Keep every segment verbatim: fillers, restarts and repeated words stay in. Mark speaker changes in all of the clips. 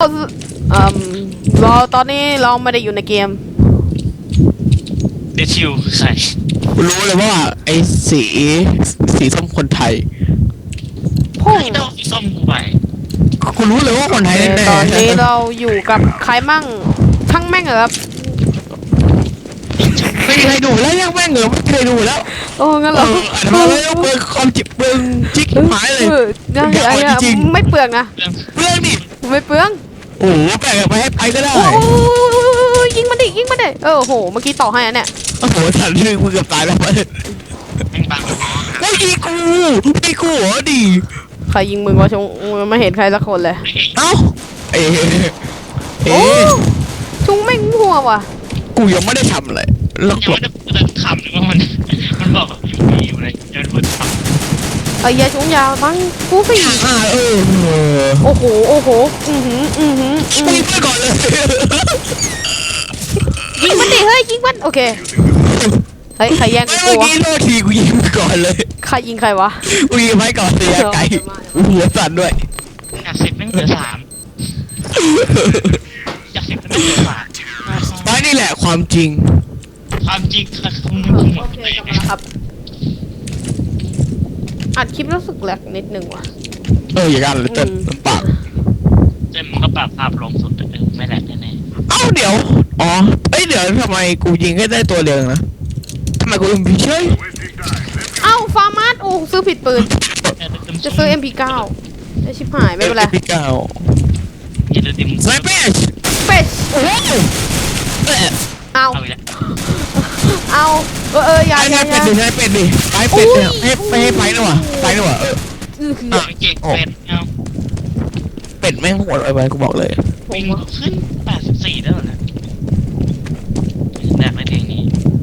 Speaker 1: เอ่อเราตอนนี้เราไม่ได้อยู่ในเกม
Speaker 2: เดชิวใคร
Speaker 3: รู้เลยว่าไอ้สีสีส้มคนไทย
Speaker 1: พุ่ง
Speaker 2: ไอ้ดอกสีส้มกูไป
Speaker 3: กูรู้เลยว่าคนไทยแน่ๆ
Speaker 1: ตอนนี้เราอยู่กับใครมั่งทั้งแม่งเหรอครับ
Speaker 3: ไม่มีใครดูแล้วยังแม่งเหรอไม่เคยดูแล้ว
Speaker 1: โอ้งั้นเหรอ
Speaker 3: ทำไมต้องเปลืองความจิบเปลืองจิกหายเลย
Speaker 1: ยังไงไม่เปลืองนะ
Speaker 3: เปลืองดิ
Speaker 1: ไม่เปลือง
Speaker 3: โอ้โหแบ่งไปให้ไปก็ได้
Speaker 1: โอ้ยิงมันดิยิงมันดิเออโหเมื่อกี้ต่อให้อันเนี่ย
Speaker 3: โอ้โหฉันลืมมือเกือบตายแล้วเลยไม่ยิงกูไม่กูเหรอดี
Speaker 1: ใครยิงมึงวะชงไม่เห็นใครสักคนเลย
Speaker 3: เอ้าเอ๊ะ
Speaker 1: เอ๊ะชุงแม่งหัวว่ะ
Speaker 3: กูยังไม่ได้ทำอะไรแล้ว
Speaker 2: ยังไม่ได้ขำหรือว่ามันมันบอกอยู่อยู่อะไรยังพูดขำ
Speaker 1: ไอ้ยาชุงยาวมั้งกูสิ
Speaker 3: อ่าเออ
Speaker 1: โอ้โหโอ้โหอือหืออือหือ
Speaker 3: ยิงไปก่อนเลย
Speaker 1: ยิงมันดิเฮ้ยยิงมันโอเคเฮ้ยใครแย่งกู
Speaker 3: เมื่อกี้โทษทีกูยิงไปก่อนเลย
Speaker 1: ใครยิงใครวะ
Speaker 3: กูยิงไปก่อนเลยไก่หัวสั่นด้วย
Speaker 2: อยากสิบแม่งเหลือสามอยากสิบแม่งเหลือสาม
Speaker 3: ไม่นี่แหละความจริง
Speaker 2: ความจริงคือคุณ
Speaker 1: โอเคกลับมาแล้วครับอัดคลิปรู้สึกแหลกนิดนึงว่ะ
Speaker 3: เอออย่างนั้นเลยเต้นลำปาก
Speaker 2: เต้นมันก็ปรับภาพลงสุดแต่ไม่แหลกแน่
Speaker 3: ๆเอ้าเดี๋ยวอ๋อเอ้ยเดี๋ยวทำไมกูยิงแค่ได้ตัวเดียวนะทำไมกูยิงผิดเฉย
Speaker 1: เอ้าฟาร์มาสโอ้ซื้อผิดปืนจะซื้อ เอ็ม พี เก้า ไอชิบหายไม่เป็นไร
Speaker 3: เอ็ม พี เก้า
Speaker 2: อย่าลืมดิม
Speaker 3: สไนเปอร์
Speaker 1: เป๊ะ
Speaker 3: โอ้โห
Speaker 1: เอาเอาเออเอออย่าอย่าอย่า
Speaker 3: เป็ดดิให้เป็ดดิไปเป็ดเนี่ยให้ไปให้ไปหน่อยไปหน่อยเออ
Speaker 2: เออเก่งเป็ดเอา
Speaker 3: เป็ดแม่งโหดไปกูบอกเลย
Speaker 2: วิ่งขึ้นแปดสิบสี่แล้วนะแดกไม่เพลงนี้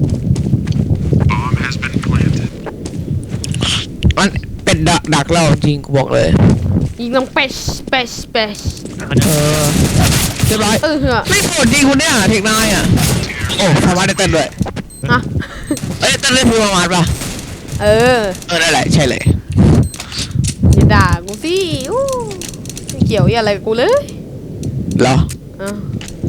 Speaker 3: มันเป็ดดักดักเราจริงกูบอกเลย
Speaker 1: ยิงต้องเป๊ะเป๊ะเป๊ะ
Speaker 3: เออเรียบร้อย
Speaker 1: เออเหรอ
Speaker 3: ไม่โหดจริงคุณเนี่ยเทคนายอ่ะโอ้ทำมาได้เต้นด้วย
Speaker 1: ฮะ
Speaker 3: เอ้ยเต้นเล่นพูประมาณป่ะ
Speaker 1: เออ
Speaker 3: เออได้แหละใช่เลย
Speaker 1: อย่าด่ากูสิอู้เกี่ยวอะไรกับกูเลย
Speaker 3: เหรอ
Speaker 1: อ่ะ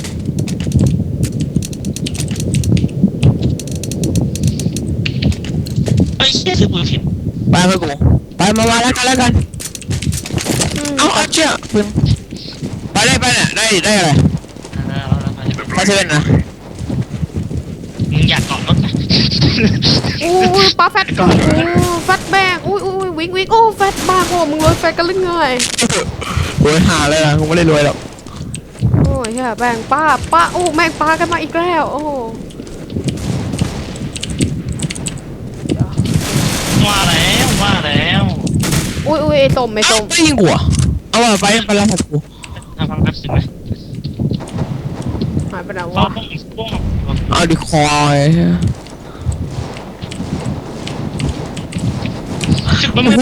Speaker 2: ไอ้เชี่ยซื้อปืนผิด
Speaker 3: ไปไปกูไปมามาแล้วกันแล้วกันเอาเอาเชี่ยปืนไปได้ไปเนี่ยได้ได้อะไรไปเซเว่นนะ
Speaker 2: มึงอยากเกาะรถไหม
Speaker 1: อู้ปลาแฟตโอ้แฟตแบกอุ้ยอุ้ยวิ่งวิ่งโอ้แฟตบ้าโอ้มึงรวยแฟตกันหรือไง
Speaker 3: รวยหาเลยนะกูไม่ได้รวยหรอก
Speaker 1: โอ้ยเฮ้ยแบงป้าป้าโอ้แม่งปลากันมาอีกแล้วโอ้
Speaker 2: ว่าแล้วว่าแล้ว
Speaker 1: อุ้ยอุ้ยไอ้ส้มไอ้ส้ม
Speaker 3: ไม่ยิงกูเอาไปไปไปแล้วกู
Speaker 2: ทำฟังแป๊บสิไหม
Speaker 1: หายไปไหนวะ
Speaker 3: เอาดิคอย
Speaker 2: โอ้โห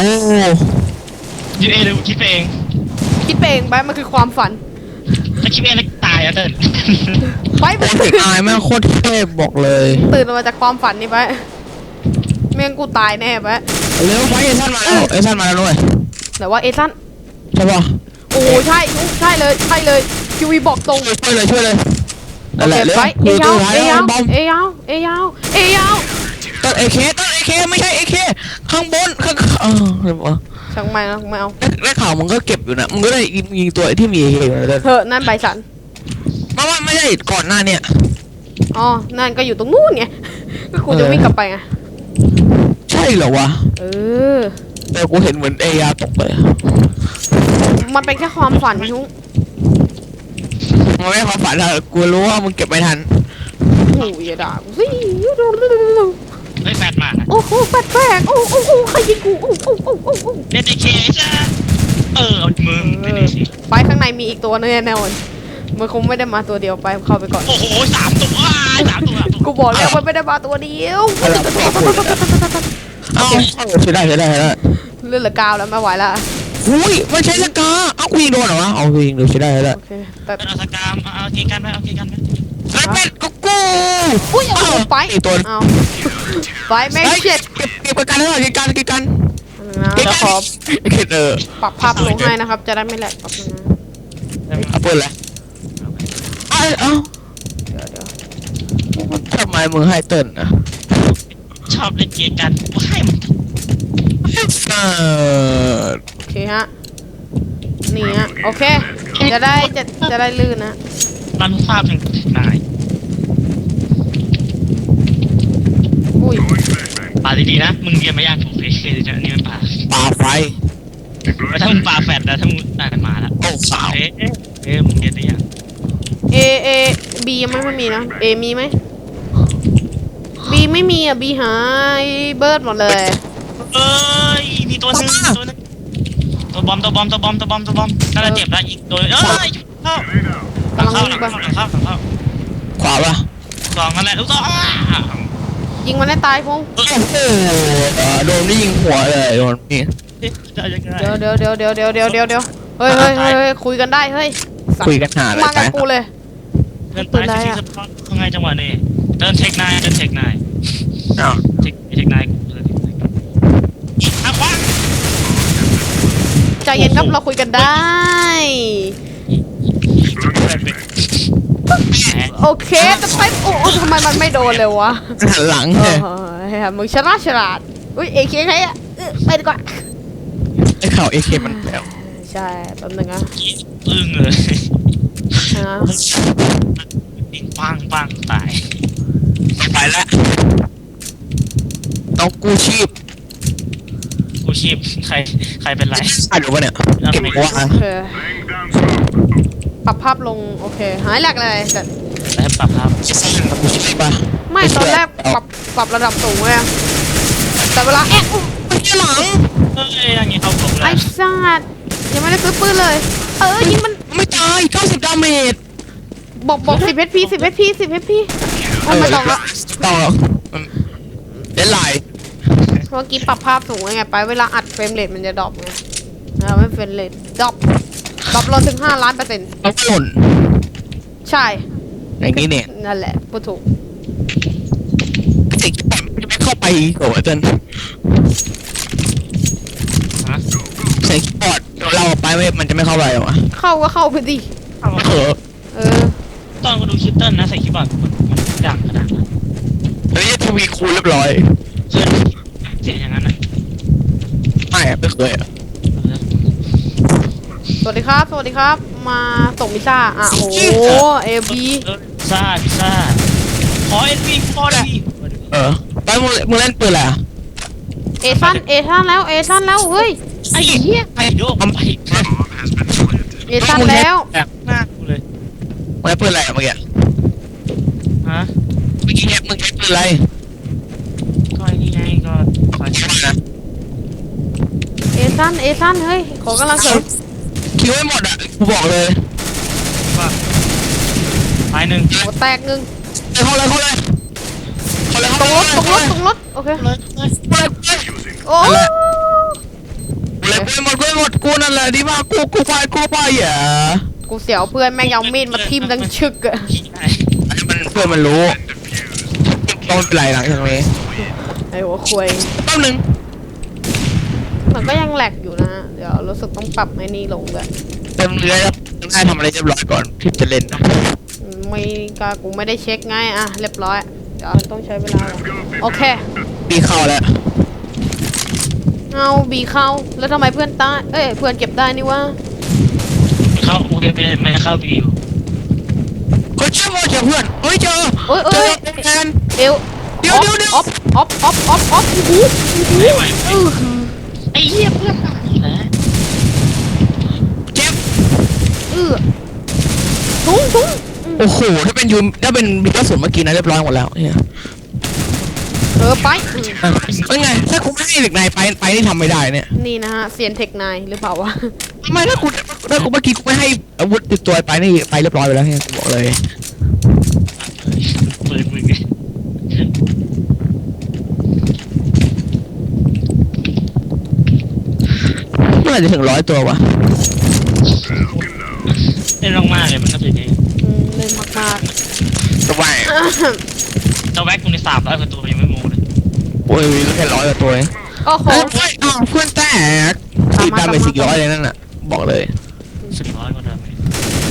Speaker 2: ยูเอเลยคิดเอง
Speaker 1: คิดเองไปมันคือความฝัน
Speaker 2: ถ้าคิดเองแล้วตายอ่ะเต้น
Speaker 1: ไปไป
Speaker 3: ตายแม่โคตรเทพบอกเลย
Speaker 1: ตื่นมาจากความฝันนี่ไปเมียงกูตายแน่ไป
Speaker 3: เร็วไปเอซันมาแล้วเอซันมาแล้วด้วย
Speaker 1: แต่ว่าเอซัน
Speaker 3: ใช่ป่ะ
Speaker 1: โอ้ใช่ใช่เลยใช่เลยคิวีบอกตรง
Speaker 3: ช่วยเลยช่วยเลย
Speaker 1: นั่นแหละเลยเอยาวเอยาวเอยาวเอยาวเอยาว
Speaker 3: ต้นเอเคต้นเอเคไม่ใช่เอเคข้างบนข้างเออเดี๋ยว
Speaker 1: ช่างไม่นะไม่เอา
Speaker 3: ได้ข่าวมึงก็เก็บอยู่นะมึงก็ได้ยิงตัวที่มีเอเคอยู่เลย
Speaker 1: เถอะนั่นใบสัน
Speaker 3: เพราะว่าไม่ใช่ก่อนหน้าเนี่ย
Speaker 1: อ๋อนั่นก็อยู่ตรงนู้นไงก็กูจะวิ่งกลับไปไง
Speaker 3: ใช่เหรอวะ
Speaker 1: เออ
Speaker 3: แต่กูเห็นเหมือนเอยาตกไป
Speaker 1: มันเป็นแค่ความฝันนุ๊ก
Speaker 3: มันไม่ความฝันอะกูรู้ว่ามึงเก็บไม่ทัน
Speaker 1: โอ้ยอย่าด่ากูสิ
Speaker 2: เฮ้ยแฟดมา
Speaker 1: โอ้โหแฟดแฝงโอ้โอ้โอ้ใครยิงกูโอ้โอ้โอ้โอ้โอ้
Speaker 2: เด็ดเคจ้าเออเอามึง
Speaker 1: ไปข้างในมีอีกตัวนึงแน่นอนมันคงไม่ได้มาตัวเดียวไปเข้าไปก่อน
Speaker 2: โอ้โหสามตัวสามตัว
Speaker 1: กูบอกแล้วมันไม่ได้มาตัวเดียว
Speaker 3: เอาใช่ได้ใช่ได้ใช่ได้
Speaker 1: เลื่อนเหลือกาวแล้วไม่ไหวละ
Speaker 3: หุ้ยไม่ใช่สกาเอากูยิงโดนเหรอวะเอากูยิงดูใช่ได้ใช่ได้
Speaker 1: โอเคแต่
Speaker 2: เอาสกามเอาเกกันไหมเอาเกกันไหม
Speaker 3: ไอ้เป็ดกูกู
Speaker 1: อุ้ยเอาไปเอาไปแม่เช็ด
Speaker 3: เก็บเก็บกันแล้วเก็บกันเก็บกัน
Speaker 1: นะจะขอ
Speaker 3: เก็บเออ
Speaker 1: ปรับภาพลงให้นะครับจะได้ไม่แหลกปรับนะ
Speaker 3: เอาปืนเลยไอ้เอ้า
Speaker 1: เดี๋ยวเดี๋ยว
Speaker 3: ทำไมมึงให้เติ้ลอ่ะ
Speaker 2: ชอบเล่นเกมกันว่าให้มัน
Speaker 3: เออ
Speaker 1: โอเคฮะนี่ฮะโอเคจะได้จะจะได้ลื่นนะ
Speaker 2: รันภาพแห่งนาย
Speaker 1: อุ้ย
Speaker 2: ป่าดีๆนะมึงเรียนมาย่างถูกเลยจะนี่มันป่า
Speaker 3: ปาไฟ
Speaker 2: แล้วถ้ามึงป่าแฟดแล้วถ้ามึงอ่านมาแล้ว
Speaker 3: โอ้สาว
Speaker 2: เอ๊ะเอ๊ะมึงเรียนได้ยัง
Speaker 1: เอเอบียังไม่ไม่มีนะเอมีไหมบีไม่มีอ่ะบีหายเบิร์ดหมดเลย
Speaker 2: เอ้ยมีตัวนึงตัวนึงตัวบอมตัวบอมตัวบอมตัวบอมตัวบอมน่าจะเจ็บแล้วอีกตัวเอ้ยเข้าหลังเข้าหลังเข้าหลังเข้าหลังเข้า
Speaker 3: ขวาป่ะ
Speaker 2: สองนั่นแหละลูกสอง
Speaker 1: ยิงมันให้ตายพง
Speaker 3: โอ้โหโดนนี่ยิงหัวเลยโดนนี่
Speaker 2: จะยังไง
Speaker 1: เดี๋ยวเดี๋ยวเดี๋ยวเดี๋ยวเดี๋ยวเดี๋ยวเดี๋ยวเดี๋ยวเฮ้ยเฮ้ยเฮ้ยเฮ้ยคุยกันได้เฮ้ยสัตว์
Speaker 3: คุยกันหาอะไร
Speaker 1: มา
Speaker 3: ไป
Speaker 1: กับกูเลย
Speaker 2: เดินไปที่สปอร์ตยังไงจังหวะนี้เดินเทคนายเดินเทคนาย
Speaker 3: อ้าว
Speaker 2: เทคเทคนายกูเดินเทคนายอ่ะคว้า
Speaker 1: ใจเย็นครับเราคุยกันได้ โอเคแต่ไปโอ้โอ้ทำไมมันไม่โดนเลยวะ
Speaker 3: หันหลัง
Speaker 1: เอ
Speaker 3: เลย
Speaker 1: อเฮ้ยมึงฉลาดฉลาดอุ้ยเอเคใครอะเออไปดีกว่า
Speaker 3: ไอ้ข่าวเอเคมันแล้ว
Speaker 1: ใช่แป๊บนึงนะ
Speaker 2: อึ้งเลย
Speaker 1: นะ
Speaker 2: ปิงปังปังตาย
Speaker 3: ไปแล้วต้องกู้ชีพ
Speaker 2: กูชีพใครใครเป็นไร
Speaker 3: อ่ะดูป่ะเนี่ยเก็บว่า
Speaker 1: โอเคปรับภาพลงโอเคหายแหลกเลยแต่
Speaker 2: แล้วปรับครับ
Speaker 3: กู้ชีพป่ะ
Speaker 1: ไม่ตอนแรกปรับปรับระดับสูงเลยอะแต่เวลาแอะอุ๊ย
Speaker 3: ไม่ใช่หลัง
Speaker 2: เอ้ยอย่างงี้เข้าผมแล้
Speaker 1: ไอ้
Speaker 2: ว
Speaker 1: สัตว์ยังไม่ได้ซื้อปืนเลย เออยิงมัน
Speaker 3: ไม่ตายเก้าสิบดาเมจ
Speaker 1: บอกบอกสิบเอพีสิบเอพีสิบเอพีโอ้ไม่ต้องละ
Speaker 3: ต่อเดนไลน์
Speaker 1: เมื่อกี้ปรับภาพสูงไงไปเวลาอัดเฟรมเรทมันจะดรอปไงเราไม่เฟรมเรทดรอปดรอปลงถึงห้าล้านเปอร์เซ็นต์
Speaker 3: เขาหล่น
Speaker 1: ใช่
Speaker 3: อย่างนี้เนี่ย
Speaker 1: นั่นแหละพูดถูก
Speaker 3: เด็กญี่ปุ่นมันจะไม่เข้าไปโอ้ยจน
Speaker 2: ฮะ
Speaker 3: เสียงคีย์บอร์ดเราไปไม่มันจะไม่เข้าไปหรอวะ
Speaker 1: เข้าก็เข้าไปดิ
Speaker 2: เอา
Speaker 3: เออ
Speaker 1: เออ
Speaker 2: ตอนกูดูคลิปเติ้ลนะใส่คีย์บอร์ดมันมันดังขนาดนั้น
Speaker 3: อันนี้ทวีคูณเรียบร้อย
Speaker 2: เพื่อนเสียงอย่างนั้นอ่ะ
Speaker 3: ไม่อะไม่เคยอะ
Speaker 1: สวัสดีครับ สวัสดีครับ มาส่งพิซซ่าอ่ะโอ้โหเอบี
Speaker 2: เออพิซซ่าพิซซ่าขอเอ็นวีขอเอ็นวี
Speaker 3: เออไปมึงมึงเล่นปืนอะไรอะ
Speaker 1: เอชันเอชันแล้วเอชันแล้วเฮ้ย
Speaker 2: ไอ้เหี้ยไอ้โดมไป
Speaker 1: เอชันแล้ว
Speaker 2: แบบหน้ากูเลย
Speaker 3: มึงเล่นปืนอะไรอะเมื่อกี้
Speaker 2: ฮะ
Speaker 3: เมื่อกี้เนี่ยมึงใช้ปืนอะไร
Speaker 2: ก็ไอ้นี่ไงก็ขอ
Speaker 3: ใช่
Speaker 2: ชิม
Speaker 3: ไหมนะ
Speaker 1: เอชันเอชันเฮ้ยขอกำลังเสริม
Speaker 3: คิวไม่หมดอะกูบอกเลย
Speaker 2: ว่าตายหนึ่ง
Speaker 1: โอ้แตกหนึ่ง
Speaker 3: เข้าเลยเข้าเลยเข้าเลย
Speaker 1: ต
Speaker 3: เข้า
Speaker 1: รง
Speaker 3: เล
Speaker 1: ร
Speaker 3: ย
Speaker 1: ถตรงรถตรงรถโอเค
Speaker 2: เลยเลย
Speaker 3: เข้าเลย
Speaker 1: โอ้
Speaker 3: กูเลยกูหมดกูหมดกูนั่นแหละดีมากกูกูไปกูไปอย่า
Speaker 1: กูเสียวเพื่อนแม่งเอามีดมาทิ่มดังชึกอะ
Speaker 2: ขี่ได้
Speaker 3: อันนี้มันเพื่อนมันรู้ต้องเป็นไรหลังจากนี้
Speaker 1: ไอ้หัวควย
Speaker 3: แป๊บนึง
Speaker 1: มันก็ยังแหลกอยู่นะฮะเดี๋ยวรู้สึกต้องปรับไอ้นี่ลงด้วย
Speaker 3: เต็มเรือแล้วต้องให้ทำอะไรเรียบร้อยก่อนที่จะเล่น
Speaker 1: ไม่ก็กูไม่ได้เช็คไงอ่ะเรียบร้อยเดี๋ยวมันต้องใช้เวลาโอเค
Speaker 3: ปีเข้าแล้ว
Speaker 1: เอาบีเข้าแล้วทำไมเพื่อนตายเอ้ยเพื่อนเก็บได้นี่วะ
Speaker 2: เข้าโอเคไม่ไม่เข้าวีอยู่
Speaker 3: คนเชื่อว่าเจอเพื่อนเฮ้ยเจอ
Speaker 1: โอ้ย
Speaker 3: เจ
Speaker 1: เอ้
Speaker 3: อย แทน
Speaker 1: เอว
Speaker 3: เดี๋ยวเดี๋ยวเดี๋ยว
Speaker 1: ออฟออฟออฟออฟออฟโอ้โห
Speaker 2: ไม่ไหว
Speaker 1: อื้อ
Speaker 2: ไอ้เหี้ยเพื่อนตายแล้ว
Speaker 3: เจ็บ
Speaker 1: อื้อถุงถุง
Speaker 3: โอ้โหถ้าเป็นยูถ้าเป็นมีกระสุนเมื่อกี้นะเรียบร้อยหมดแล้วเนี่ย
Speaker 1: เออไปอืม
Speaker 3: อ่ะเป็นไงถ้ากูไม่ให้เด็กนายไปไปนี่ทำไม่ได้เนี่ย
Speaker 1: นี่นะฮะเซียนเทคไนหรือเปล่าวะ
Speaker 3: ทำไมถ้ากูถ้ากูเมื่อกี้กูไม่ให้อาวุธติดตัวไปนี่ไปเรียบร้อยไปแล้วเนี่ยกูบอกเลย
Speaker 2: ปืนมึงไง
Speaker 3: เมื่อไหร่จะถึงร้อยตัววะ
Speaker 2: เล่นมากๆเลยมันก็เป็นอย่างนี้
Speaker 1: อืมเล่นมาก
Speaker 3: ทำไม
Speaker 2: เจ้าแว็กกูในสามร้อยกว่าตัวยังไม่โม้เลย
Speaker 3: โอ้ยมีแค่ร้อยกว่าตัวเอง
Speaker 1: ๆโอ้โห
Speaker 3: เฮ้ยอ้าวเพื่อนแตกสี่ดาเมจสี่ร้อยเลยนั่นน่ะบอกเลย
Speaker 2: สิบร้อยกว่าเดิมเลย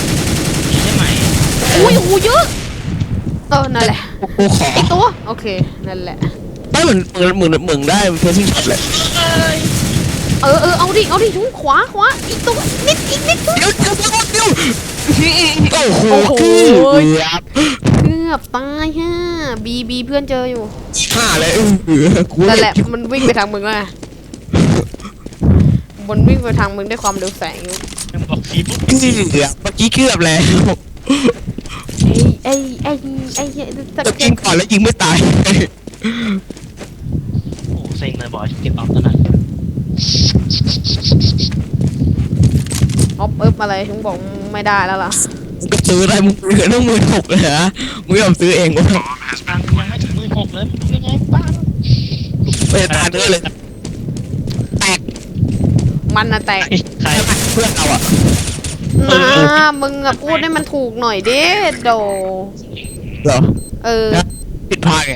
Speaker 1: อุ้ยอู้เยอะเออนั่นแหละ
Speaker 3: กูขอ
Speaker 1: อีกตัวโอเคนั่นแหละ
Speaker 3: ไม่เหมือนเหมือนเหมือนเหมือนได้เพซซิ่งช็อตเลย
Speaker 1: เออเออเอาดิเอาดิชุ้งขวาขวาอีกตัวนิดอีกนิดตัว
Speaker 3: เดี๋ยวเดี๋ยวเดี๋ยวเดี๋ยวโอ้โห
Speaker 1: โอ้โห
Speaker 3: เกือบ
Speaker 1: เกือบตายฮะบีบีเพื่อนเจออยู่
Speaker 3: ห้าเลยเออกู
Speaker 1: นั่นแหละมันวิ่งไปทางมึงแล้วไงมันวิ่งไปทางมึงด้วยความเร็วแสงอยู่
Speaker 2: ยังบอกฟีปุ๊บ
Speaker 3: เกือบเมื่อกี้เกือบแล้ว
Speaker 1: ไอ้ไอ้ไอ้ไอ้สัก
Speaker 3: จะยิงก่อนแล้วยิงไม่ตาย
Speaker 2: โอ้เซ็งเลยบอกเก็บปั๊มตอนนั้น
Speaker 1: ออฟเอิบอะไรชุ้งบอกไม่ได้แล้วล่ะ
Speaker 3: ก็ซื้อได้มึงเหลือต้องมือถกเลยฮะมึงยอมซื้อเองวะ
Speaker 2: ตังค์ยังไม่ถึงหมื่นหกเลยมึงยังไงบ้าง
Speaker 3: ไม่ตายเนื้อเลยแตก
Speaker 1: มันน่ะแตก
Speaker 2: ใคร
Speaker 3: เพื่อนเราอ่ะ
Speaker 1: นะมึงอะพูดให้มันถูกหน่อยดิโด
Speaker 3: เหรอ
Speaker 1: เออ
Speaker 3: ผิดพลาดไง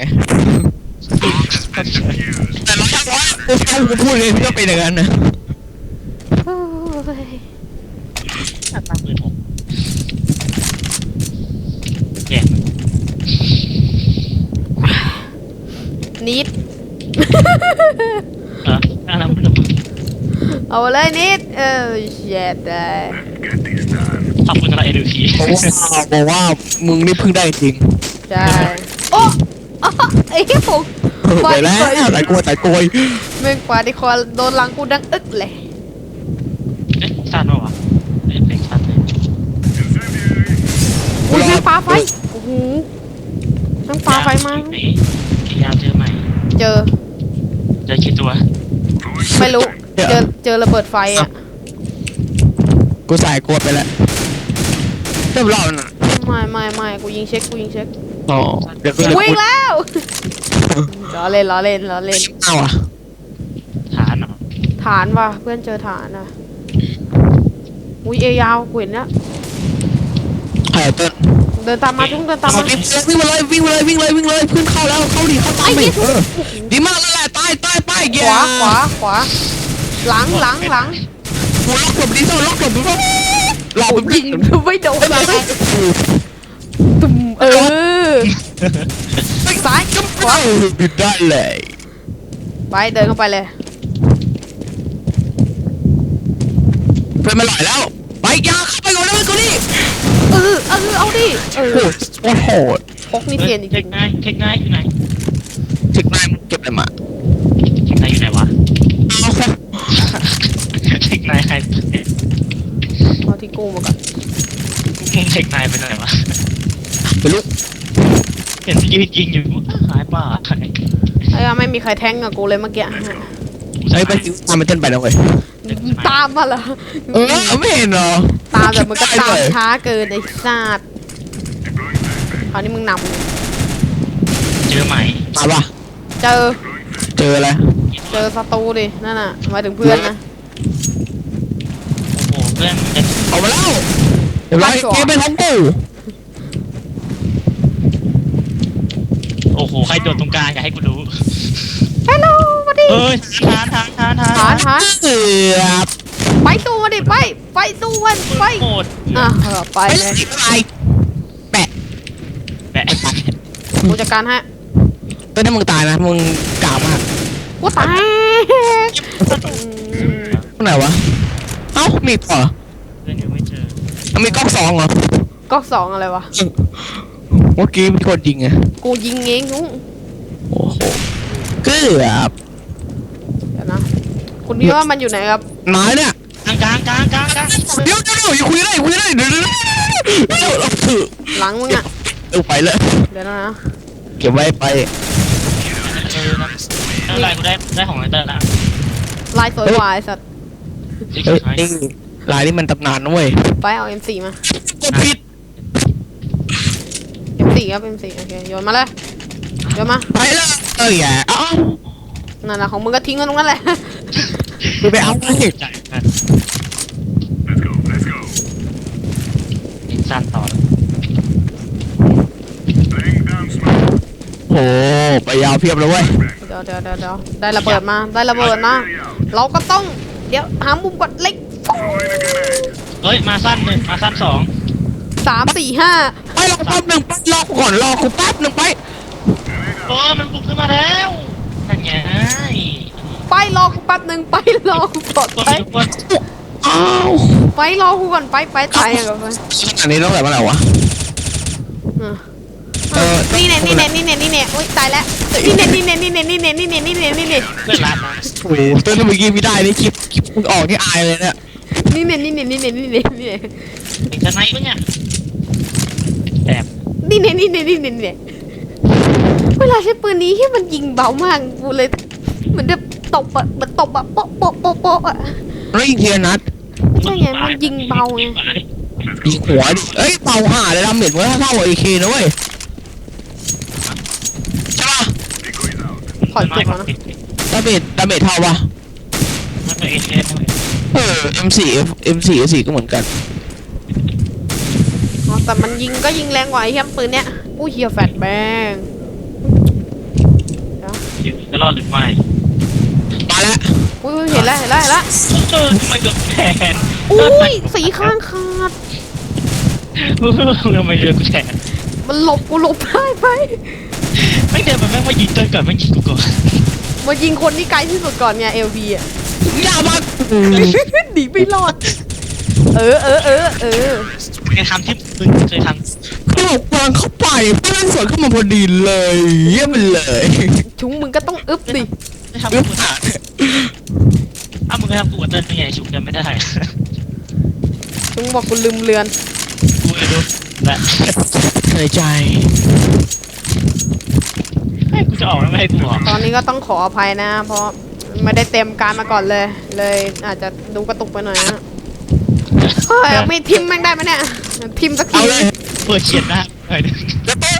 Speaker 3: แต่เราถ้าร้อยกูแค่กูพูดเลยพี่ก็เป็นอย่างนั้นนะ
Speaker 1: โอ้ย
Speaker 2: ตังค์หมื่นหกแย่
Speaker 1: นิด
Speaker 2: เหรออะไรไม่รู้
Speaker 1: เอาเลยนิดเออเช็ดได้
Speaker 2: ขอบคุณสำหรับเอดูที
Speaker 3: เพราะว่าบอกว่ามึงนี่เพิ่งได้จริง
Speaker 1: ใช่โอ้อ้อไอ้เหี้ยผม
Speaker 3: ไปแล้วแต่กลัวแต่กลัว
Speaker 1: เมื่อกว่าที่คอโดนหลังกูดังอึกเลย
Speaker 2: เอ๊ะสั้นปะวะเอ๊ะเป็นสั้นเลย
Speaker 1: อุ้ยแม่งปลาไฟโอ้โหแม่งปลาไฟมา
Speaker 2: ไหนยาวเจอใหม่
Speaker 1: เจอ
Speaker 2: เจอกี่ตัว
Speaker 1: ไม่รู้เจอเจอระเบิดไฟอ่ะ
Speaker 3: กูใส่กลัวไปแล้วเริ่มรอบน่ะ
Speaker 1: ไม่ไม่ไม่กูยิงเช็คกูยิงเช็ค
Speaker 3: อ๋อเดี๋ยวก็เลย
Speaker 1: วิ่งแล้วล้อเล่นล้อเล่นล้อเล่น
Speaker 3: เอาอ่ะ
Speaker 2: ฐานเหรอ
Speaker 1: ฐานว่ะเพื่อนเจอฐานอ่ะอุ้ยเอยาวกูเห็นนะ
Speaker 3: ไข่ต้น
Speaker 1: เดินตามมาจุ้งเดินตาม
Speaker 3: เอา
Speaker 1: มา
Speaker 3: วิ่งมาเลยวิ่งมาเลยวิ่งเลยวิ่งเลยวิ่งเลยเพื่อนเข้าแล้วเข้าดิเข้าตาม
Speaker 1: ไอ้
Speaker 3: ไป
Speaker 1: เหี้ย
Speaker 3: เออดีมากแล้วแหละตายตายไป
Speaker 1: ข
Speaker 3: แย่
Speaker 1: วาขวาขวาหลังหลังหลัง
Speaker 3: กูล็อกหลบดีเซลล็อกหลบดีเซลหลอก
Speaker 1: โอ้
Speaker 3: มัน
Speaker 1: ยิ
Speaker 3: ยิ
Speaker 1: ง
Speaker 3: ง
Speaker 1: ไม่โดนเลยตุ่มเออซ้ายจุ๊บขวา
Speaker 3: บิดได้เลย
Speaker 1: ไปเดินเข้าไปเลย
Speaker 3: เพื่อนมาหล่อยแล้วไปยาเข้าไปก่อนเลยกูนี่
Speaker 1: เออเออเอาดิเออ
Speaker 3: โอ้โหโหด
Speaker 1: พกนี่เปลี่ยนจ
Speaker 2: เท
Speaker 1: ริ
Speaker 2: ค
Speaker 1: ง
Speaker 2: ง่ายเทคง่ายอยู่ไหน
Speaker 3: ถึงนายมึงเก็บอะไรมา
Speaker 2: เทคง่ายอยู่ไหนวะ
Speaker 3: เอา
Speaker 2: เทคง่ายใคร
Speaker 1: ๆเอาที่กูมาก่อน
Speaker 2: เทคง่ายไปไหนวะ
Speaker 3: ไปลุก
Speaker 2: เห็นยืนยิงอยู่หายป่าหาย
Speaker 1: ไอ้ไม่มีใครแทงกับกูเลยเมื่อกี้
Speaker 3: ไอ้ไปซิวตามมันเต้นไปแล้วเว้ย
Speaker 1: ตามมาเหรอ
Speaker 3: เออไม่เห็นเหรอ
Speaker 1: ตามแต่มึงก็ตาม
Speaker 3: ได้เลย
Speaker 1: ช้าเกินไอ้สัตว์คราวนี้มึงน
Speaker 2: เจอไหม
Speaker 3: มาป่ะ
Speaker 1: ำเจอ
Speaker 3: เจออะไร
Speaker 1: เจอศัตรูดินั่นน่ะหมายถึงเพื่อนนะ
Speaker 2: โอ้โหเพื่อนจะ
Speaker 3: เอามาแล้วเดี๋ยวไรเกมเป็นของกู
Speaker 2: โอ้โหใครโดดตรงกลางอยากให้กูรู้
Speaker 1: ฮัลโหลมาดิ
Speaker 2: เอ้ยทานทานทานทาน
Speaker 1: ฐานฐาน
Speaker 3: เกือบ
Speaker 1: ไปสู้มาดิไปไปสู้มันไป
Speaker 2: โหด
Speaker 1: อ่ะเออไป
Speaker 3: ไป
Speaker 1: เล
Speaker 3: เลย ยไปแปะ
Speaker 2: แปะ
Speaker 1: กูจัดการให้
Speaker 3: ตอนนี้มึงตายนะมึงกล่าวมาก
Speaker 1: กูตายอืม
Speaker 3: ตรงไหนวะเอ้ามีอีกเหรอ
Speaker 2: เพื่อนยังไม่เจอ
Speaker 3: เอามีกล้องสองเหรอ
Speaker 1: ก๊อกสองอะไรวะ
Speaker 3: เมื่อกี้มีคนยิงไง
Speaker 1: กูยิงเองนุ้ง
Speaker 3: โอ้โหเกือบ
Speaker 1: เดี๋ยวนะคุณคิดว่ามันอยู่ไหนครับ
Speaker 3: นายเนี่ย
Speaker 2: กลางกลางกลางกลางกลาง
Speaker 3: เดี๋ยวเดี๋ยวเดี๋ยวอย่าคุยได้อย่าคุยได้เดี๋ยวเดี๋ยวเดี๋ยวเราถือ
Speaker 1: หลังมึงอ่ะ
Speaker 3: เอาไปเลย
Speaker 1: เดี๋ยวนะ
Speaker 3: เก็บไว้ไป
Speaker 2: เออนะไม่เป็นไรกูได้ได้ของไอเตอร์ละ
Speaker 1: ลายสวยกว่าไอ้สัตว์
Speaker 3: เฮ้ยนี่ลายนี่มันตำนานนะเว้ย
Speaker 1: ไปเอา เอ็ม โฟร์ มาก
Speaker 3: ดผิด
Speaker 1: เอ็ม โฟร์ ครับ เอ็ม โฟร์ โอเคโยนมาเลยโยนมา
Speaker 3: ไปเลยเอ้ยอย่าเอ้า
Speaker 1: นั่นแหละของมึงก็ทิ้งไว้ตรงนั้นแหละ
Speaker 3: กูไปเอาไป
Speaker 2: จ่ายกันสั้นต่อ
Speaker 3: โอ้ไปยาวเพียบเลยเว้ย
Speaker 1: เดี๋ยวเดี๋ยวเดี๋ยวเดี๋ยวได้ระเบิดมาได้ระเบิดนะเราก็ต้องเดี๋ยวหามุมกดเล็ก
Speaker 2: เฮ้ยมาสั้นหนึ่งมาสั้นสอง
Speaker 1: สามสี่ห้า
Speaker 3: ไปรอแป๊บหนึ่งไปรอกูก่อนรอกูแป๊บหนึ่งไป
Speaker 2: โอ้มันบุกขึ้นมาแล้วนั่นไง
Speaker 1: ไปรอกูแป๊บหนึ่งไปรอกูก่อน
Speaker 2: ตัว
Speaker 1: ไป
Speaker 2: มีทุกคน
Speaker 3: อ้าว
Speaker 1: ไปรอกูก่อนไปไปตายอย่างก่อนไป
Speaker 3: อันนี้ต้องแบบอะไรวะ
Speaker 1: อ่ะ
Speaker 3: เออ
Speaker 1: นี่เนี่ยนี่เนี่ยนี่เนี่ยนี่เนี่ยโอ๊ยตายแล้วนี่เนี่ยนี่เนี่ยนี่เนี่ยนี่เนี่ยนี่เนี่ยนี่เนี่ยนี่เนี่ย
Speaker 2: เพื่อนรักมา
Speaker 3: โอ้ยตัวนี้เมื่อกี้ไม่ได้นี่คลิปคลิปมึงออกที่อายเลยเนี่ย
Speaker 1: นี่เนี่ยนี่เนี่ยนี่เนี่ยนี่เนี่ยนี่เนี่ย
Speaker 2: เด็กสไนป์ปะเนี่ยแอบ
Speaker 1: นี่เนี่ยนี่เนี่ยนี่เนี่ยนี่เนี่ยเวลาใช้ปืนนี้ที่มันยิงเบามากกูเลยเหมือนแบบตบอะเหมือนตบอะโป๊ะโป๊ะโป๊ะโป๊ะอะ
Speaker 3: แล้วยิงทีละนัด
Speaker 1: ใช่ไงมันยิงเบาไง
Speaker 3: ยิงหัวดิเอ้ยเป่าห่าเลยดาเมจมันก็เท่ากับเอเคนะเว้ยใช่ป่ะ
Speaker 1: ขอจุกแล้วนะ
Speaker 3: ดาเมจดาเมจเท่าป่ะ
Speaker 2: มันเป็นเอเ
Speaker 3: เออ เอ็ม โฟร์ เอ็ม โฟร์ เอ โฟร์ ก็เหมือนกัน
Speaker 1: อ๋อแต่มันยิงก็ยิงแรงกว่าไอ้เหี้ยปืนเนี้ยอู้เฮียแฟดแบง
Speaker 2: จะรอดหรือไม่
Speaker 3: มาแล้ว
Speaker 1: อุ้ยอุ้ยเห็นแล้วเห็นแล้วเห็นแล้ว
Speaker 2: เออทำไมเกือบแทน
Speaker 1: อุ้ยสีข้างขาด
Speaker 2: ทำไมเดือกูแทน
Speaker 1: มันหลบกูหลบได้ไป
Speaker 2: ไม่เดินมันแม่งมายิงเดินก่อนไม่ยิงกูก่อน
Speaker 1: มายิงคนที่ไกลที่สุดก่อนไงเอลพีอ่ะ
Speaker 3: อย่ามา
Speaker 1: หนีไม่รอด เออเออเออเออ
Speaker 2: เคยทำที่มึงเคยท
Speaker 3: ก็บอกวางเข้าไปเพื่อนสวนเข้ามาพอดีเลยเยี่ยมไปเลย
Speaker 1: ชุงมึงก็ต้องอึบดิ
Speaker 2: ำไม่ทำ
Speaker 3: อึ๊
Speaker 2: กู
Speaker 3: บอ่ะ
Speaker 2: อ้าวมึงเคยทำกูกับเต้นไม่ไงชุบกันไม่ได้
Speaker 1: ชุงบอกกูลืมเรือน
Speaker 2: กูเลยดูและ
Speaker 3: ในใจ
Speaker 2: ให้กูจะออกแล้วไม่ให้กูออก
Speaker 1: ตอนนี้ก็ต้องขออภัยนะ เพราะไม่ได้เต็มการมาก่อนเลย เลยอาจจะดูกระตุกไปหน่อยนะเฮ้ยไม่ทิมแม่งได้ไหมเนี่ยทิมสักที
Speaker 3: เอาเลย
Speaker 2: เปิดเขียนนะเฮ้ย
Speaker 3: แล้วโต๊ะ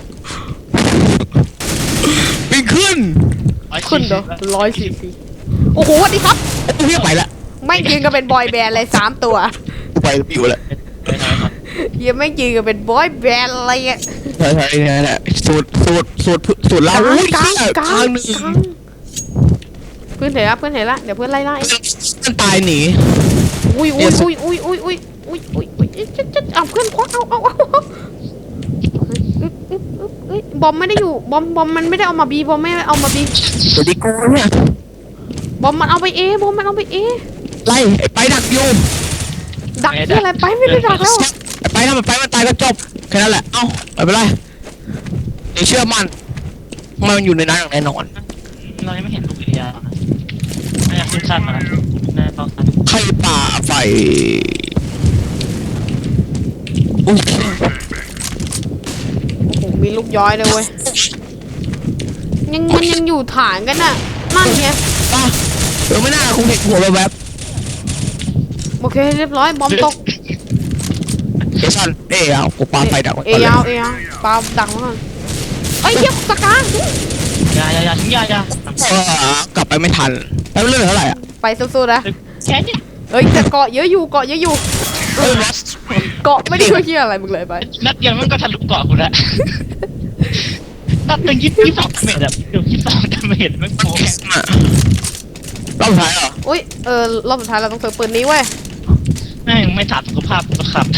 Speaker 3: ปีนขึ้น
Speaker 1: ขึ้นเหรอร้อยสี่สิบโอ้โหสวัสดีครับ
Speaker 3: โอ้ยไปละ
Speaker 1: ไม่ยืนกันเป็นบอยแบนด์เลยสามตัว
Speaker 3: ไปปิวละ
Speaker 2: ไปทำไมครับ
Speaker 1: ยังไม่ยืนกันเป็นบอยแบนด์อะไรอ่ะ
Speaker 3: ใช่ใช่เนี่ยแหละสูตรสูตรสูตรสูตร
Speaker 1: ก
Speaker 3: เรา
Speaker 1: ลาง
Speaker 3: อุ้ย
Speaker 1: กลางกลาง
Speaker 3: ทางหนึ่ง
Speaker 1: กลางเพื่อนเห็นละเพื่อนเห็นละเดี๋ยวเพื่อนไล่ไล่
Speaker 3: มันตายหนี
Speaker 1: อุ้ยอุ้ยอุ้ยอุ้ยอุ้ยอุ้ยอุ้ยอุ้ยอุ้ยจะจะเอาเพื่อนควักเอาเอาเอาเอาอึ๊บอึ๊บอึ๊บเอ้ยบอมไม่ได้อยู่บอมบอมมันไม่ได้เอามาบีบอมไม่ได้เอามาบี
Speaker 3: สวัสดีกูเนี่ย
Speaker 1: บอมมันเอาไปเอบอมมันเอาไปเอ
Speaker 3: ไล่ไอ้ไปดักอยู่
Speaker 1: ดักที่อะไรไปไม่ได้ดักแล้ว
Speaker 3: ไอ้ไปถ้ามันไปมันตายก็จบแค่นั้นแหละเอ้าไม่เป็นไรเดี๋ยวเชื่อมันมันอยู่ในนั้นอย่างแน่นอน
Speaker 2: เรายังไม่เห็นลูกเรียน่าจะขึ้นชั้นมาแล้วน่าจะต้องชั้น
Speaker 3: ใครป่าไฟอุ้ย
Speaker 1: โอ้โหมีลูกย้อยเลยเว้ยยังมันยังอยู่ฐานกันน่ะนั่นไง
Speaker 3: ป่ะเดี๋ยวไม่น่าคงเห็นหัวแบบ
Speaker 1: โอเคเรียบร้อยบอมตก
Speaker 3: เดี๋ยวสั่นเอ้ยเอากูปาไฟดักไว้
Speaker 1: เอ
Speaker 3: ก่อนเลย
Speaker 1: ยาวเอยาวปาดักไว้ก่อนเอ้ยเหี้ยสกา
Speaker 2: ยายายาทิ้งยายา
Speaker 3: เออกลับไปไม่ทันแล้วเรื่องเท่าไหร่อ่ะ
Speaker 1: ไปสู้ๆนะ
Speaker 2: แค่นี้
Speaker 1: เอ้ยแต่เกาะเยอะอยู่เกาะเยอะอยู่
Speaker 3: เออ
Speaker 1: เกาะไม่ได้ช่วยเหี้ยอะไรมึงเลยไป
Speaker 2: นัดเดียวมันก็ทะลุเกาะกูแล้วนัดหนึ่งยี่สิบสองเมตรแบบเดี๋ยวยี่สิบสองเมตรมันโกง
Speaker 3: รอบสุดท้ายเหรอ
Speaker 1: อุ้ยเออรอบสุดท้ายเราต้องซื้อปืนนี้เว้ย
Speaker 2: แม่งไม่ถามสุขภาพกูก็ขับ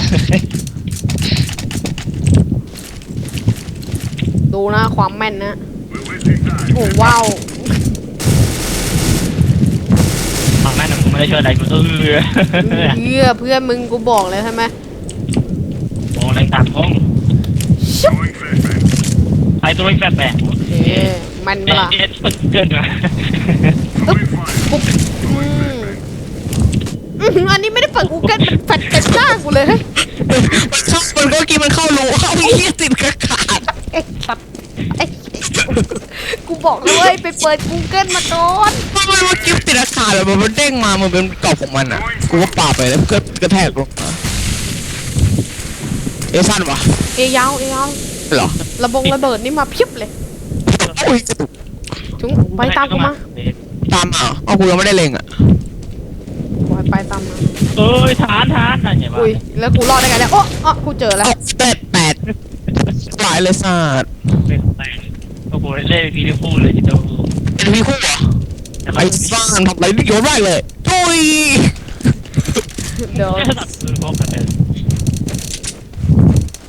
Speaker 1: ดูนะความแม่นนะโอ้ว้าว
Speaker 2: ฟังแม่นะมึงไม่ได้ช่วยอะไรกูเออ
Speaker 1: เหี้ยเพื่อนมึงกูบอกเลยใช่ไหม
Speaker 2: โอ้แรงตามท้อง
Speaker 1: ชุบ
Speaker 2: ไปตัวไอ้แฝดแฝด
Speaker 1: เอ๊ะมันเป
Speaker 2: เอ๊ะ
Speaker 1: ล่า
Speaker 2: เอ๊ะเกินมา
Speaker 1: อึ๊บปุ๊บอืมอื้อหืออันนี้ไม่ได้เปิดกูเกิลแฟดเต็มหน้ากูเลย
Speaker 3: มันเข้ามันก็กินมันเข้ารูเข้าเหี้ยติดกระขาด
Speaker 1: ไอ้สัตว์ไอ้กูบอกเลยเว้ยไปเปิด Google มาก่อน
Speaker 3: มันมันว่ากิฟติดกระขาดแล้วมันมันเด้งมามันเป็นกรอบของมันอ่ะกูก็ปาไปแล้วก็กระแทกลงมาเอสั้นวะ
Speaker 1: เอยาวเอยาว
Speaker 3: เหรอ
Speaker 1: ระบงระเบิดนี่มาเพียบเลย
Speaker 3: อุ้ยกระตุก
Speaker 1: จุงไปตามกูมา
Speaker 3: ตามมาเอากูยังไม่ได้เล็งอ่ะ
Speaker 1: บอยไปตามมา
Speaker 2: เอ้ยฐานฐานอะไรอย่าง
Speaker 1: อุ้ย
Speaker 2: เงี้ย
Speaker 1: แล้วกูรอดได้ไงเนี่ยโอ้อ๋อกูเจอแล้ว
Speaker 3: เอาแปดแปดหลายเลยสัตว์
Speaker 2: เป็นแปดโอ้โหเล่นพีดีคู่เลยทีเดียว
Speaker 3: เป็นพี่คู่เหรอไอ้ซ่านทำอะไรนี่โยนได้เลยทุย
Speaker 1: เดี๋ยว
Speaker 2: ไม่ถนัดมือพกกันเลย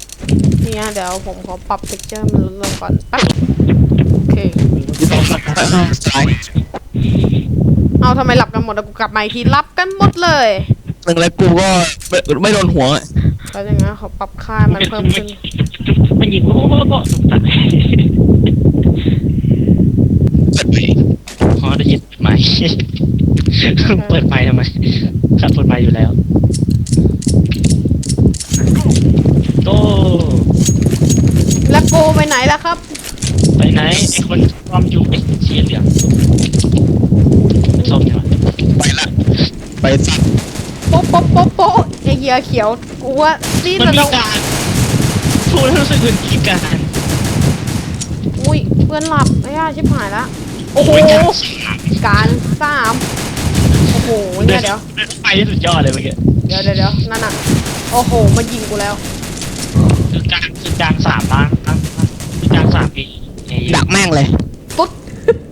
Speaker 1: นี่ฮะเดี๋ยวผมขอปรับเท็กเจอร์มันลดลงก่อนแป๊บโอเค
Speaker 3: สาย
Speaker 1: เอาทำไมหลับกันหมดอะกูกลับมาอีกทีหลับกันหมดเลย
Speaker 3: หนึ่งแล้วกูก็ไม่ไม่โดนหัว
Speaker 1: แล้วอย่างงั้นขอปรับค่ามันเพิ่มขึ้น
Speaker 2: มันยิงโอ้โหก็สุดท้าย
Speaker 3: เปิดไป
Speaker 2: พอได้ยินไหมเปิดไฟทำไมครับเปิดไฟอยู่แล้วโต
Speaker 1: แล้วโกไปไหนล่ะครับ
Speaker 2: ไปไหนไอ้คนความอยู่ไอ้เชียเหลืองส้มใช่ไหม
Speaker 3: ไปละไปสัตว์
Speaker 1: โป๊ะโป๊ะโป๊ะโป๊ะไอเหี้ยเขียวกูว่าซีด
Speaker 2: มัน
Speaker 1: แล้ว
Speaker 2: มีการพูดแล้วรู้สึกเหมือนมีการ
Speaker 1: อุ้ยเพื่อนหลับไอ้ย่าชิบหายละโอ้โห
Speaker 2: มีการ
Speaker 1: การสามโอ้โหเนี่ยเดี๋ยว
Speaker 2: ไปที่สุดยอดเลยเมื่อกี้
Speaker 1: เดี๋ยวเดี๋ยวเดี๋ยวนั่นน่ะโอ้โหมายิงกูแล้ว
Speaker 2: คือกลางคือกลางสามล้านคือกลางสามปี
Speaker 3: ดักแม่งเลย
Speaker 1: ปุ๊บ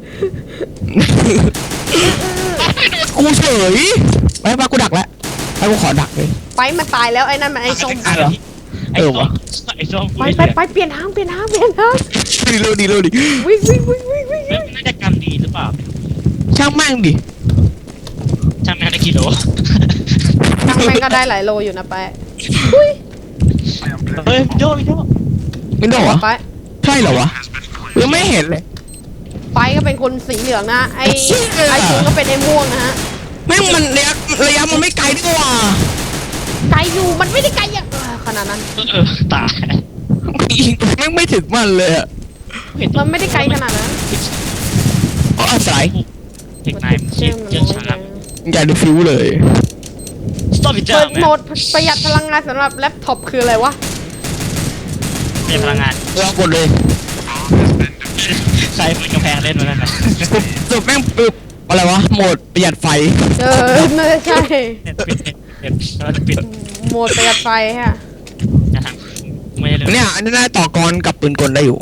Speaker 3: กูเฉยไปปะกูดักแล้วไปกูขอดักเลย
Speaker 1: ไปมันตายแล้วไอ้นั่นมันไอ้ส้ม
Speaker 3: เหรอ
Speaker 2: ไอ้ส้มไอ้ส้ม
Speaker 1: ไปไปไปเปลี่ยนทางเปลี่ยนทางเปลี่ยนทาง
Speaker 3: ดีเลยดีเลยดิ
Speaker 1: วิ่งวิ่งวิ่งวิ่งวิ่ง
Speaker 2: เฮ้ยน่าจะกันดีหรือเปล่า
Speaker 3: ช่างแม่งดิ
Speaker 2: ช่างแม่งได้กิโล
Speaker 1: ทางแม่งก็ได้หลายโลอยู่นะไปอุ้ย
Speaker 2: เฮ้ยโยโย
Speaker 3: ไม่โดนเหรอ
Speaker 1: ไป
Speaker 3: ใช่เหรอวะยังไม่เห็นเลย
Speaker 1: ไปก็เป็นคนสีเหลืองนะไอ้ไอ้ชุงก็เป็นไอ้ม่วงนะฮะ
Speaker 3: แม่งมันระยะระยะมันไม่ไกลด้วยว่ะ
Speaker 1: ไกลอยู่มันไม่ได้ไกลอย่างขนาดนั้น
Speaker 2: เออตาย
Speaker 3: ยิงแม่งไม่ถึงมันเลยอะ
Speaker 1: มันไม่ได้ไกลขนาดนั้น
Speaker 3: อ๋ออาศัย
Speaker 2: เทคไนม์เชี่ยเจอชาร์
Speaker 3: อย่าดูฟิวเลย
Speaker 2: สต็อปอีกเจ้า
Speaker 1: เปิด
Speaker 2: ไหม
Speaker 1: โหมดประหยัดพลังงานสำหรับแล็ปท็อปคืออะไรวะ
Speaker 2: เป็นพลังงาน
Speaker 3: ลองกดเลย
Speaker 2: ใครเป็นกำแพงเล่นมาแล้วนะ
Speaker 3: ปุ๊บปุ๊บแม่งปึ๊บอะไรวะโหมดประหยัดไฟ
Speaker 1: เออน่าจะใช่
Speaker 2: ปิดปิดเราจะปิด
Speaker 1: โหมดประหยัดไฟฮะ
Speaker 2: จะทำไม่ได้เลย
Speaker 3: เนี่ยอันนี้น่าต่อกรกับปืนกลได้อยู่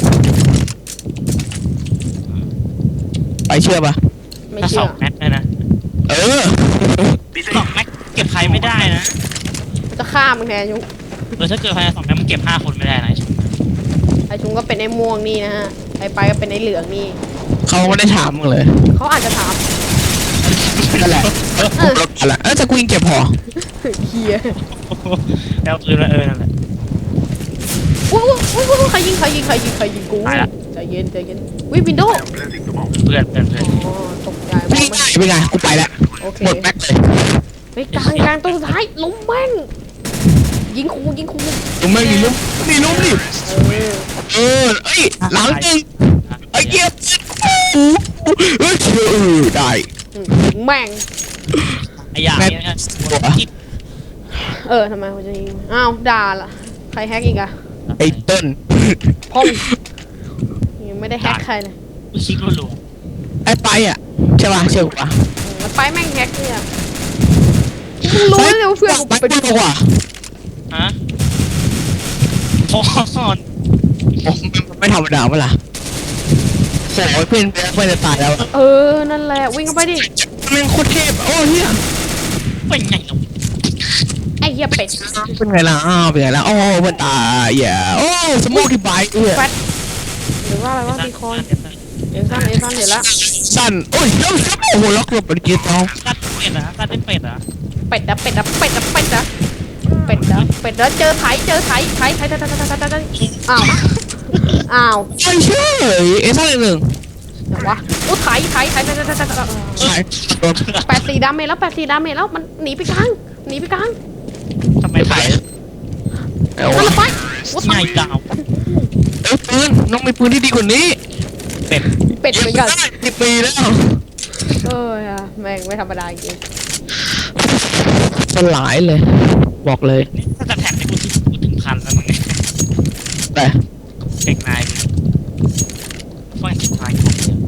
Speaker 3: ไปเชื่อปะ
Speaker 1: ไม่
Speaker 2: ถ้าส
Speaker 1: เชื่
Speaker 2: อ
Speaker 1: อง
Speaker 2: แม็กเลยนะ
Speaker 3: เออ
Speaker 2: สองแม็กเก็บใครไม่ได้นะ
Speaker 1: จะฆ่ามึงแทนยุง
Speaker 2: เออถ้าเกิดภายในสองแม็กมันเก็บห้าคนไม่ได้นะ
Speaker 1: ไอ้ชุงก็เป็นไอ้ม่วงนี่นะฮะไอ้ไปก็เป็นไอ้เหลืองนี่
Speaker 3: เขาไม่ได้ถามมึงเลย
Speaker 1: เขาอาจจะถาม
Speaker 3: นั่นแหละผมลดกันละเออแต่กูยิงเก็บพอ
Speaker 1: เฮีย
Speaker 2: แล้วปืนมาเออนั่นแหละ
Speaker 1: อุ้ยอุ้ยอุ้ยใครยิงใครยิงใครยิงใครยิงกู
Speaker 2: ตายละ
Speaker 1: ใจเย็นใจเย็นวิวินโดว์
Speaker 2: เพื่อนเพื่อนเพื่อน
Speaker 1: อ๋อตกใจ
Speaker 3: เป็นไงเป็นไงกูไปแล้ว
Speaker 1: โอเค
Speaker 3: หมดแม็กเลย
Speaker 1: เฮ้ยกลางกลางตัวสุดท้ายล้มแม่งยิงคูยิงคู
Speaker 3: มึงไม่มีลุ้มมีลุ้มดิ
Speaker 1: เออ
Speaker 3: เออเอ้ยหลังจริงไอ้เกียร์เฮ้ยเออได้
Speaker 1: อืมยิงแม่ง
Speaker 2: ไอ้ยาเนี่ย
Speaker 1: เออทำไมเขาจะยิงอ้าวด่าล่ะใครแฮกอีกอะ
Speaker 3: ไอ้เติ้ล
Speaker 1: พ่องยังไม่ได้แฮกใครเลย
Speaker 2: กูชิครัว
Speaker 3: ไอ้ไปอ่ะใช่ป่ะเชื่อกูป่ะ
Speaker 1: อืมแล้วไปแม่งแฮกเนี่ยมึงรู้เลยว่าเพื่อนกู
Speaker 3: ไป
Speaker 1: เป็น
Speaker 3: ดีกว่า
Speaker 2: ๆฮะพอสอน
Speaker 3: โอ้ไม่ธรรมดาเมื่อล่ะโอ้ยเพื่อนเพื่อนจะตายแล้ว
Speaker 1: เออนั่นแหละวิ่งเข้าไปดิ
Speaker 3: แม่งโคตรเทพโอ้เฮีย
Speaker 2: เป็นไงล่ะ
Speaker 1: ไอ้เหี้ยเป็ด
Speaker 3: เป็นไงล่ะอ้าวเป็นไงล่ะโอ้เพื่อนตายอย่าโอ้สมูทที่ไบค์เฮีย
Speaker 1: แฟตหรือว่าอะไรวะบีคอยเอ็นซันเอ็นซันเดี๋ยวละ
Speaker 3: สั้นโอ้ยแล้วโอ้โหล็อกหลบเป็นกีตาร์
Speaker 2: กัดเป็ดนะกัดเป็นเป็ดอ่ะ
Speaker 1: เป็ดอะเป็ดอะเป็ดอะเป็ดอะเป็ดอะเป็ดแล้วเจอไถเจอไถไถไถไถไถไถไถไถอ้าวอ้าว
Speaker 3: ใช่เชื่อเอซ่าหนึ่งหนึ่ง
Speaker 1: เดี๋ยววะโอ้ไถไถไถไถไถไถไถ
Speaker 3: ใช่โดน
Speaker 1: แปดสี่ดาเมจแล้วแปดสี่ดาเมจแล้วมันหนีไปกลางหนีไปกลาง
Speaker 2: ทำไมถ่าย
Speaker 3: เอา
Speaker 1: เอา
Speaker 3: วะ
Speaker 1: ละไปว่า
Speaker 2: ไงดาว
Speaker 3: เอ้ยปืนน้องมีปืนที่ดีกว่านี้
Speaker 2: เป็ด
Speaker 1: เป็ดเหมือนกัน
Speaker 3: สิบปีแล้ว
Speaker 1: เออแม่งไม่ธรรมดาจริง
Speaker 3: สลายเลย บอกเลย
Speaker 2: นี่ถ้าจะแท็กในกูที่กูถึงพันแล้วมึงเนี่ย
Speaker 3: แต่
Speaker 2: เด็กนายฟังจิตทายของเดียว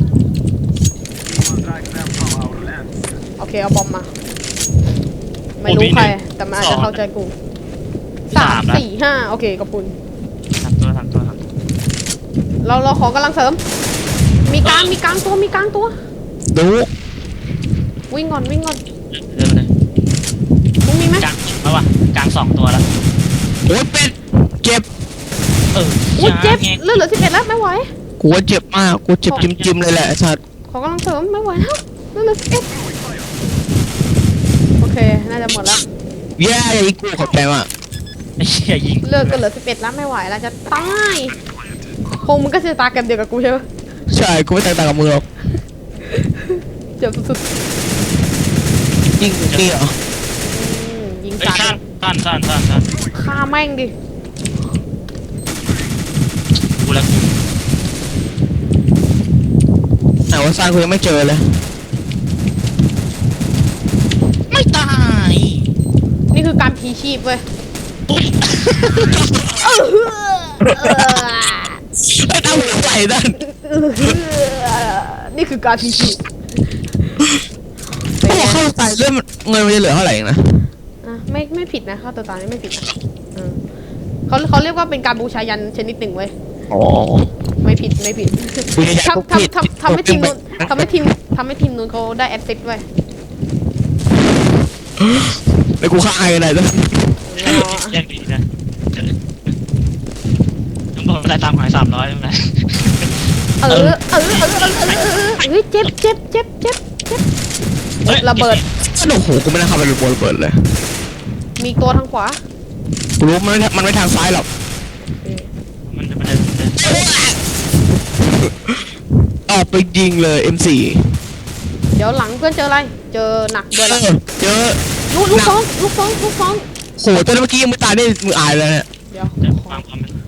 Speaker 1: โอเคเอาบอมมา ไม่รู้ใครแต่มันอาจจะเข้าใจกูสามสี่ห้าโอเคขอบคุณ
Speaker 2: ทำตัวทำตัวทำ
Speaker 1: เราเราขอกำลังเสริม มีกลางมีกลางตัวมีกลางตัว
Speaker 3: ดู
Speaker 1: วิ่งก่อนวิ่งก่อน
Speaker 2: เดินไปเลย
Speaker 1: มึงมีไหม
Speaker 2: กลางแล้ววะกลางสองตัวแล้ว
Speaker 3: โอ้ยเป็ดเก็บ
Speaker 2: เออ
Speaker 1: อุ้ยเจ็บ
Speaker 2: ไง
Speaker 1: เลือดเหลือสิบเอ็ดแล้วไม่ไหว
Speaker 3: กูว่าเจ็บมากกูเจ็บจิ้มๆเลยแหละไอ้สัตว์
Speaker 1: ขอกำลังเสริมไม่ไหวแล้วเลือดเหลือสิบเอ็ดโอเคน่าจะหมดแล้ว
Speaker 3: แย่อย่ายิงกูขอบใจมาก
Speaker 2: ไอ้เหี้ยยิง
Speaker 1: เลือดก็เหลือสิบเอ็ดแล้วไม่ไหวแล้วจะตายคงมึงก็จะตายกันเดียวกับกูใช่ปะ
Speaker 3: ใช่กูไม่แตกต่างกับมึงหรอก
Speaker 1: เจ็บสุด
Speaker 3: ยิงนี่เหรอ
Speaker 1: ๆอืมยิง
Speaker 2: ไอ้
Speaker 1: สัต
Speaker 2: สั้น
Speaker 1: ว์
Speaker 2: สั้นสั้นสั้นสั้น
Speaker 1: ฆ่าแม่งดิ
Speaker 2: กูแล้ว
Speaker 3: แต่ว่าสร้างกูยังไม่เจอเลย
Speaker 2: ไม่ตาย
Speaker 1: นี่คือการพีชีพเว้ย
Speaker 2: ปุ๊บ
Speaker 1: เออเออ
Speaker 3: ไอ้ตั้งหัวไหล่นั่น
Speaker 1: เออนี่คือการพีชีพ
Speaker 3: เขาบอกเข้าตายเรื่องเงินมันจะเหลือเท่าไหร่เองนะ
Speaker 1: อ่ะไม่ไม่ผิดนะฆ่าตัวตายนี่ไม่ผิดนะเออเขาเขาเรียกว่าเป็นการบูชายันชนิดหนึ่งเว้ย
Speaker 3: อ๋อ
Speaker 1: ไม่ผิดไม่ผิด
Speaker 3: บูชายัน
Speaker 1: ทำ
Speaker 3: ผิด
Speaker 1: ทำทำทำให้ทีมนู้นทำให้ทีมทำให้ทีมนู้นเขาได้แอสซิสต์เว้ย
Speaker 3: ไอ้กูฆ่าไอ้กันไหนด้วย
Speaker 2: แยกดีนะต้องบอกได้ตามหายสามร้อยใช่ไหม
Speaker 1: เออเออเออเออเออเออเออเฮ้ยเจ็บเจ็บเจ็บเจ็บเจ็บระเบิด
Speaker 3: โอ้โหกูไม่น่าเข้าไปบนระเบิดเลย
Speaker 1: มีตัวทางขวา
Speaker 3: กูรู้มันไม่มันไม่ทางซ้ายหรอก
Speaker 2: มันจะมันจะมันจะ
Speaker 3: ออกไปยิงเลย เอ็ม โฟร์
Speaker 1: เดี๋ยวหลังเพื่อนเจออะไร เจอหนักด้วย
Speaker 3: เอ
Speaker 1: ละ
Speaker 3: อเจอ
Speaker 1: ลูกลูกฟองลูกฟองลูกฟอง
Speaker 3: โหตัวเมื่อกี้ยังไม่ตายได้มืออายเลยเนี่ย
Speaker 1: เดี๋ยว
Speaker 2: จะความความมัน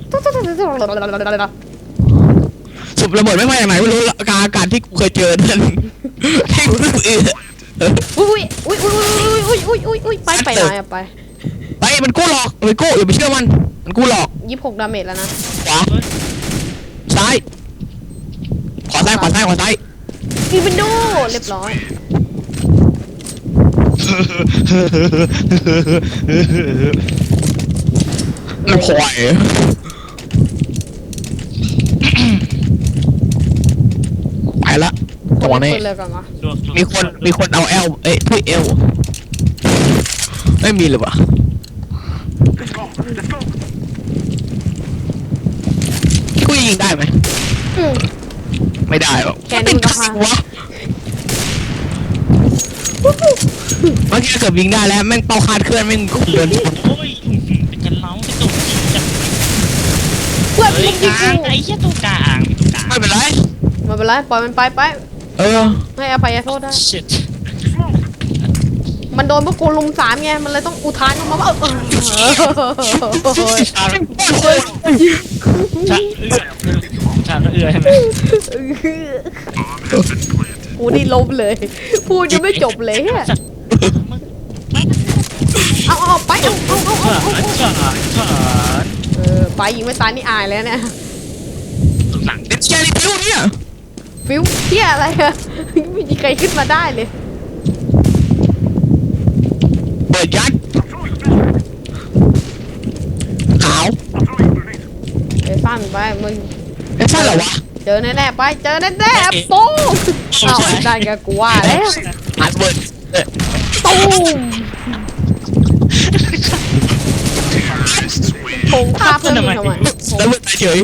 Speaker 3: สุบระเบิดไม่มาจากไหนไม่รู้กาอากาศที่กูเคยเจอนั่นที่กูรู้สึกเออ
Speaker 1: อุ้ยอุ้ยอุ้ยอุ้ยอุ้ยอุ้ยอุ้ยอุ้ยไปไปไหนอะไป
Speaker 3: ไปมันกู้หลอกมันกู้อย่าไปเชื่อมันมันกู้หลอก
Speaker 1: ยี่สิบหกดาเมจแล้วนะ
Speaker 3: ขวาซ้ายขวาซ้ายขวาซ้ายขวาซ้าย
Speaker 1: อีวินโดเรียบร้อย
Speaker 3: มันควายไปละตรงนี้
Speaker 1: เปิดเลยก่อนวะ
Speaker 3: มีคนมีคนเอาเอลเอ้ยถ้วยเอลไม่มีเลยวะกูยิงได้ไหม
Speaker 1: อืม
Speaker 3: ไม่ได้หรอก
Speaker 1: แกนี่มันก็พา
Speaker 3: วะเมื่อกี้เกือบยิงได้แล้วแม่งเป้าคาดเคลื่อนแม่งเดิน
Speaker 2: โอ้ยเป็นกันเล้าเป็นตัวจริงจัง
Speaker 1: เพื่อน
Speaker 2: เฮ้
Speaker 1: มึ
Speaker 2: ย
Speaker 1: ง
Speaker 2: ก
Speaker 1: ยิง
Speaker 2: ลาง
Speaker 1: กู
Speaker 2: ไอ้เหี้ยตัวกลางมีตัวกลาง
Speaker 3: ไม่เป็นไร
Speaker 1: ไม่เป็นไรปล่อยมันไปไป
Speaker 3: เออ
Speaker 1: ให้อภัยโทษได้
Speaker 2: ชิต
Speaker 1: มันโดนพวกกูลุมสามไงมันเลยต้องอุทานออกมาว่าเออ
Speaker 2: ชาชาเอื้อชาเอื้อใช่ไหม
Speaker 1: กูนี่ล้มเลย พูดยังไม่จบเลยอะเอาเอาเอาไปเอาเอาเอาเอาเอา
Speaker 2: ชาชา
Speaker 1: เออไปยิงไม่ตายนี่อายแล้วเนี่ย
Speaker 2: หลัง
Speaker 3: เด็ดแชร์รีวิวเนี่ย
Speaker 1: ฟิวเที่ยอะไรอะไม่มีใครขึ้นมาได้เลย
Speaker 3: เปิดยัดขาว
Speaker 1: เดี๋ยวสั้นไปมึง
Speaker 3: ไอ้สั้นเหรอวะ
Speaker 1: เจอแน่ๆไปเจอแน่ๆปูมเอาได้แกกูว่าแล้ว
Speaker 3: อาร์ตเบิร์ดเออ
Speaker 1: ตูมผงฆ่าเพื่อนมึงทำไม
Speaker 3: แล้วเบิร์ดเฉย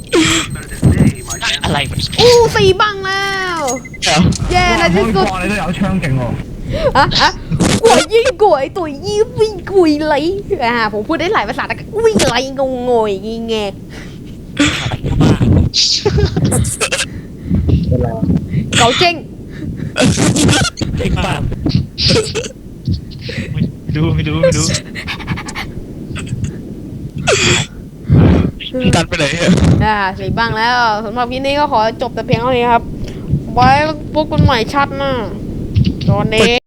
Speaker 2: อะไรวะ
Speaker 1: อู้สี่บังแล้ว
Speaker 3: เหรอ
Speaker 1: แย่ในที่สุด
Speaker 4: 你都有槍勁喎。
Speaker 1: อะอะกวยยิ่งกวยตัวยี่วิ่งกุยไหลอ่าผมพูดได้หลายภาษาแต่ก็วิ่งไหลงงงอยงี้ไงเกาเจ้ง
Speaker 2: ไอ้บ้าดูไม่ดูไม่ดู
Speaker 3: ตัดไปไหนอะ
Speaker 1: อ่าสี่บังแล้วสำหรับคลิปนี้ก็ขอจบแต่เพียงเท่านี้ครับ ไว้พบกันใหม่ชัดหน้าตอนนี้